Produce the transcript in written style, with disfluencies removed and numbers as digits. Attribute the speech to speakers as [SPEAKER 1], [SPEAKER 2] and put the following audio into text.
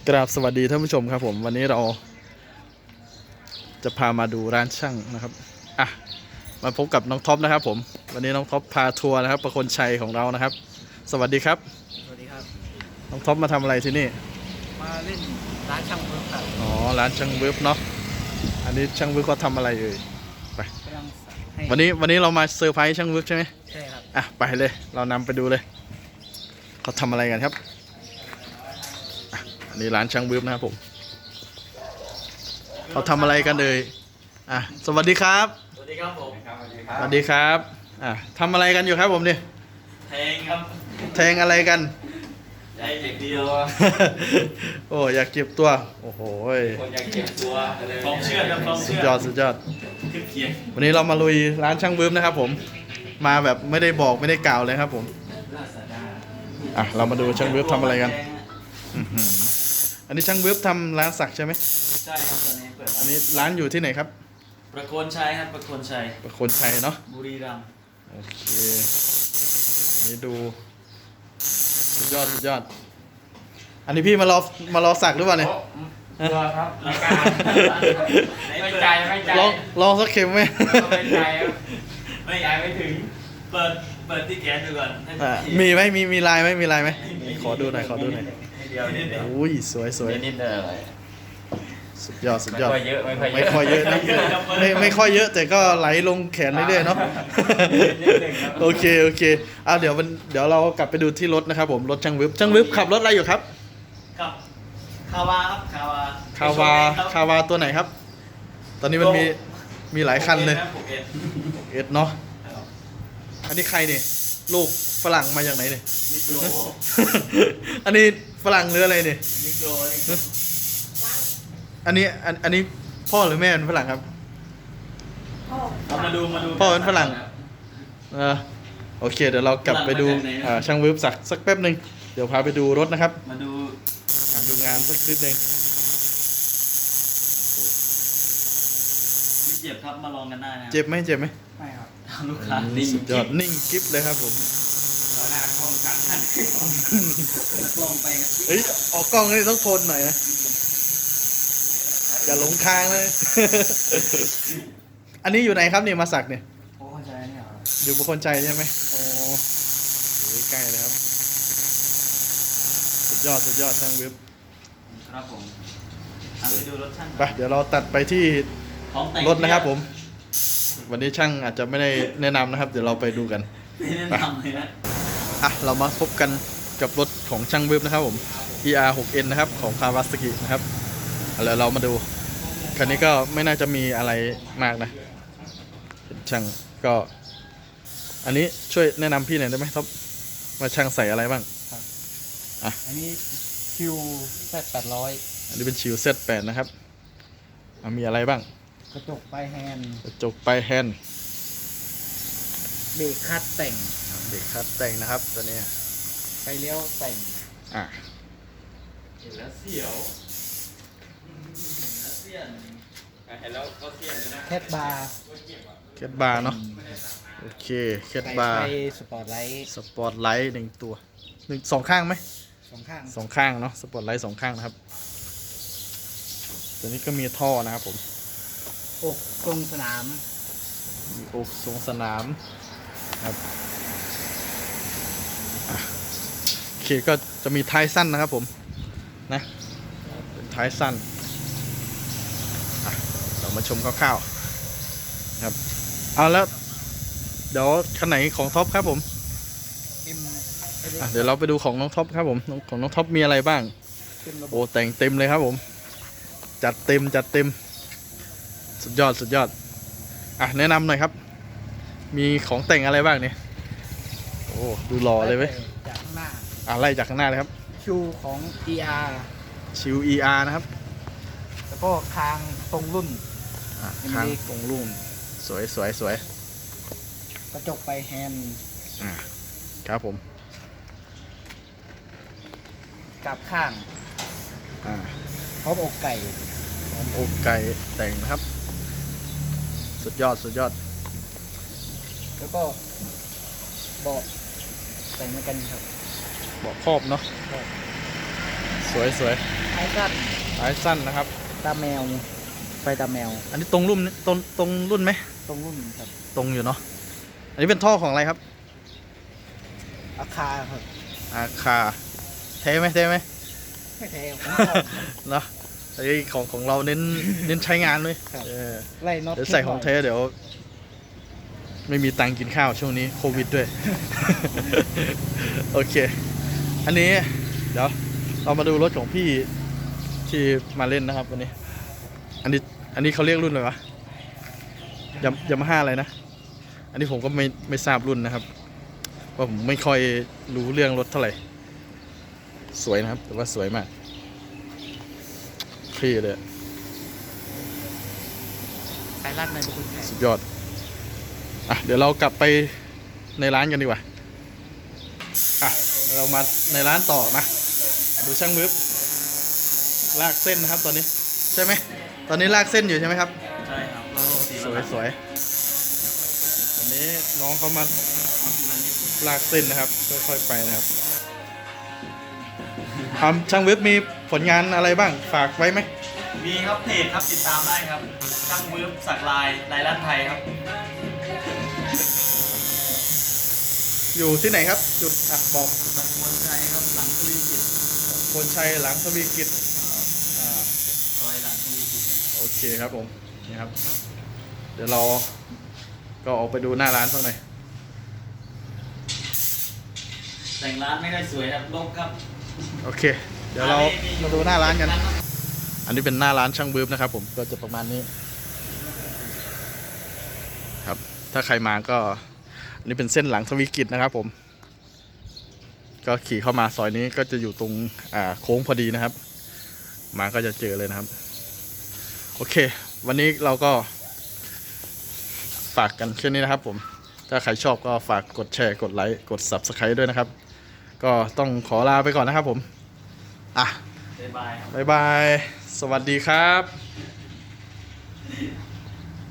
[SPEAKER 1] กราบสวัสดีท่านผู้ชมครับผมวันนี้เราจะพามาดูร้านช่างนะครับมาพบกับน้องท็อปนะครับผมวันนี้น้องท็อปพาทัวร์นะครับประคนชัยของเรานะครับสวัสดีครับ
[SPEAKER 2] สวัสดีครับ
[SPEAKER 1] น้องท็อปมาทำอะไรที่นี่
[SPEAKER 2] มาเล่นร้านช่างเวิร์กครับ
[SPEAKER 1] อ๋อร้านช่างเวิร์กเนาะอันนี้ช่างเวิร์กเขาทำอะไรเอ่ยไปวันนี้เรามาเซอร์ไพรส์ช่างเวิร์กใช่ไหม
[SPEAKER 2] ใช่ครับ
[SPEAKER 1] ไปเลยเรานำไปดูเลยเขาทำอะไรกันครับอันนี้ร้านช่างเวิร์กนะครับผมเขาทำอะไรกันเลยสวัสดีครับ
[SPEAKER 2] สวัสดีครับผม
[SPEAKER 1] สวัสดีครับทำอะไรกันอยู่ครับผมเนี่ย
[SPEAKER 2] แทงครับ
[SPEAKER 1] แทงอะไรกัน
[SPEAKER 2] ใจเด็กเดียว
[SPEAKER 1] โอ้อยากเก็บตัวโอ้โห
[SPEAKER 2] คนอยากเก็บตัวพร้อมเชื่อครับพร้อมเชื่อ
[SPEAKER 1] สุดยอดวันนี้เรามาลุยร้านช่างเวิร์กนะครับผมมาแบบไม่ได้บอกไม่ได้กล่าวเลยครับผมเรามาดูช่างเวิร์กทำอะไรกันอันนี้ช่างเวิร์กทำร้านสักใช่ไหม
[SPEAKER 2] ใช่ครับตอนนี้เปิด
[SPEAKER 1] อันนี้ร้านอยู่ที่ไหนครับ
[SPEAKER 2] ประโคนชัยครับประโคนชัย
[SPEAKER 1] เนาะ
[SPEAKER 2] บุรีรัมย์
[SPEAKER 1] โอเคนี่ดูสุดยอดอันนี้พี่มารอสักหรือเปล่าเนี่ย
[SPEAKER 2] ตัวครับรายการไม่ใจ
[SPEAKER 1] ลองสักเข็มไหม
[SPEAKER 2] ไม่ใจครับไม่ย้ายไม่ถึงเปิดที่แขนดูก่อน
[SPEAKER 1] มีไหมมีลายไหมขอดูหน่อย
[SPEAKER 2] เดียวนิดเดียว
[SPEAKER 1] อุ้ยสวย
[SPEAKER 2] นิดเดียว
[SPEAKER 1] สุดยอด
[SPEAKER 2] ไม่ค่อยเยอะ
[SPEAKER 1] นะไม่ค่อยเยอะแต่ก็ไหลลงแขนเรื่อยๆเนาะโอเคเดี๋ยวเรากลับไปดูที่รถนะครับผมรถช่างวิบขับรถอะไรอยู่ครับ
[SPEAKER 2] ครับคาวาครับ
[SPEAKER 1] คาวาตัวไหนครับตอนนี้มันมีหลายคันเลย6S เนาะอันนี้ใครเนี่ยลูกฝรั่งมาจากไหนเนี่ยอันนี้ฝรั่งหรืออะไรเนี่ยอันนี้พ่อหรือแม่เป็นฝรั่งครับ
[SPEAKER 2] มาดู
[SPEAKER 1] พ่อเป็นฝรั่งโอเคเดี๋ยวเรากลับไปดูช่างวิบสักแป๊บหนึ่งเดี๋ยวพาไปดูรถนะครับ
[SPEAKER 2] มาดู
[SPEAKER 1] งานสักนิดนึง
[SPEAKER 2] ไม่เจ็บครับมาลองกันได้นะ
[SPEAKER 1] เจ็บไหมไม่
[SPEAKER 2] ครับลูกค้า
[SPEAKER 1] สุดยอดนิ่งกิ๊บเลยครับผม
[SPEAKER 2] ต่อหน้ากล้องกันท่านลองไปครับ
[SPEAKER 1] ออกกล้องนี่ต้องทนหน่อยนะอย่าหลงทางเลยอันนี้อยู่ไหนครับเนี่ยมาสักเนี่ย
[SPEAKER 2] ประโคนชัยเนี่ย
[SPEAKER 1] อยู่ประโคนชัยใช่ไหมโอ้ใกล้เลยครับสุดยอดช่างวิบ
[SPEAKER 2] ครับผมไปดูรถช่าง
[SPEAKER 1] ไปเดี๋ยวเราตัดไปที่รถนะครับผมวันนี้ช่างอาจจะไม่ได้แนะนำนะครับเดี๋ยวเราไปดูกัน
[SPEAKER 2] ไม่แนะนำเลยนะ
[SPEAKER 1] เรามาพบกันกับรถของช่างวิบนะครับผม ER6N นะครับของ Kawasaki นะครับแล้วเรามาดูคันนี้ก็ไม่น่าจะมีอะไรมากนะช่างก็อันนี้ช่วยแนะนำพี่หน่อยได้ไหมครับว่าช่างใส่อะไรบ้าง
[SPEAKER 2] อันนี้คิวZ800
[SPEAKER 1] อันนี้เป็นชิว Z8 นะครับมีอะไรบ้าง
[SPEAKER 2] กระจกปลายแฮนด์เบรกคัด
[SPEAKER 1] แต่งนะครับตัวนี้
[SPEAKER 2] ไฟเลี้ยวแต่ง
[SPEAKER 3] เห็นแล้วเสียวเห็นแล้วก็เสียนนะ
[SPEAKER 2] แคทบา
[SPEAKER 1] ร์เนาะโอเคแคทบาร์
[SPEAKER 2] สปอร์ตไ
[SPEAKER 1] ลท์1ตัว2ข้างไหม
[SPEAKER 2] 2 ข้าง
[SPEAKER 1] เนาะสปอร์ตไลท์2ข้างนะครับตัวนี้ก็มีท่อนะครับผม
[SPEAKER 2] อกทรงสนาม
[SPEAKER 1] มีอกทรงสนามครับโอเคก็จะมีท้ายสั้นนะครับผมนะเป็นท้ายสั้นเรามาชมคร่าวๆครับเอาแล้วเดี๋ยวคันไหนของท็อปครับผมเดี๋ยวเราไปดูของน้องท็อปครับผมของน้องท็อปมีอะไรบ้างโอ้แต่งเต็มเลยครับผมจัดเต็มสุดยอดแนะนำหน่อยครับมีของแต่งอะไรบ้างเนี่ยโอ้ดูหล่อเลยเว้ย
[SPEAKER 2] จากข้างหน้า
[SPEAKER 1] ไล่จากข้างหน้าเลยครับ
[SPEAKER 2] ชิวของ ER
[SPEAKER 1] ชิว ER นะครับ
[SPEAKER 2] แล้วก็คางตรงรุ่น
[SPEAKER 1] สวย
[SPEAKER 2] กระจกปลายแฮนด์
[SPEAKER 1] ครับผม
[SPEAKER 2] กับข้างพร้อมอกไก่
[SPEAKER 1] แต่งนะครับสุดยอด
[SPEAKER 2] แล้วก็เบาะแต่งเหมือนกันครับ
[SPEAKER 1] เบาะครอบเนาะสวยสวย
[SPEAKER 4] ไอ้สั้น
[SPEAKER 1] ท้ายสั้นนะครับ
[SPEAKER 4] ตาแมวไฟตาแมว
[SPEAKER 1] อันนี้ตรงรุ่นตรงรุ่นไหม
[SPEAKER 4] ตรงรุ่นครับ
[SPEAKER 1] ตรงอยู่เนาะอันนี้เป็นท่อของอะไรครับ
[SPEAKER 4] อาคาครับ
[SPEAKER 1] อาคาเท่ไหมเท่ไหม
[SPEAKER 4] ไม่แท้ของ
[SPEAKER 1] เนาะไอ้ของเราเน้นใช้งานเลย
[SPEAKER 4] ครับ
[SPEAKER 1] เออ
[SPEAKER 4] ไล่น็อต
[SPEAKER 1] เดี๋ยวใส่ของเทเดี๋ยว ไม่มีตังค์กินข้าวช่วงนี้โควิดด้วย โอเค อันนี้เดี๋ยวเรามาดูรถของพี่ที่มาเล่นนะครับวันนี้ อันนี้เขาเรียกรุ่นอะไรวะยามาฮ่าอะไรนะ อันนี้ผมก็ไม่ทราบรุ่นนะครับเพราะผมไม่ค่อยรู้เรื่องรถเท่าไหร่ สวยนะครับแต่ว่าสวยมากพี่เลย
[SPEAKER 4] สายลัดในบุคคลไทย
[SPEAKER 1] สุดยอด อ่ะ เดี๋ยวเรากลับไปในร้านกันดีกว่า อ่ะ เรามาในร้านต่อมาดูช่างมือลากเส้นนะครับตอนนี้ ใช่ไหม ตอนนี้ลากเส้นอยู่ใช่ไหมครับ
[SPEAKER 2] ใช่ครับเราสี
[SPEAKER 1] สวยสวยวันนี้น้องเขามาลากเส้นนะครับ ค่อยๆไปนะครับช่างเว็บมีผลงานอะไรบ้าง ฝากไว้ไหม
[SPEAKER 2] มีครับเพจครับติดตามได้ครับช่างมือสักลายลั่นไทยครับ
[SPEAKER 1] อยู่ที่ไหนครับ จุดอ่ะบอก
[SPEAKER 2] ตำบลชัยครับหลังทวีกิจ
[SPEAKER 1] คนชัยหลังทวีกิจอ่า
[SPEAKER 2] ซอยหลังทวีกิจนะครับ
[SPEAKER 1] โอเคครับผมนี่ครับ เดี๋ยวเราก็ออกไปดูหน้าร้านสักหน่อย
[SPEAKER 2] แต่งร้านไม่ได้สวยครับลกครับ
[SPEAKER 1] โอเค เดี๋ยวเรามาดูหน้าร้านกัน อันนี้เป็นหน้าร้านช่างบืบนะครับผมก็จะประมาณนี้ครับ ถ้าใครมาก็อันนี้เป็นเส้นหลังทวีกิจนะครับผม ก็ขี่เข้ามาซอยนี้ก็จะอยู่ตรงโค้งพอดีนะครับ มาก็จะเจอเลยนะครับ โอเค วันนี้เราก็ฝากกันแค่นี้นะครับผม ถ้าใครชอบก็ฝากกดแชร์กดไลค์กด Subscribe ด้วยนะครับ ก็ต้องขอลาไปก่อนนะครับผมอ่ะ
[SPEAKER 2] บ๊ายบายครับ
[SPEAKER 1] บ๊ายบาย สวัสดีครับ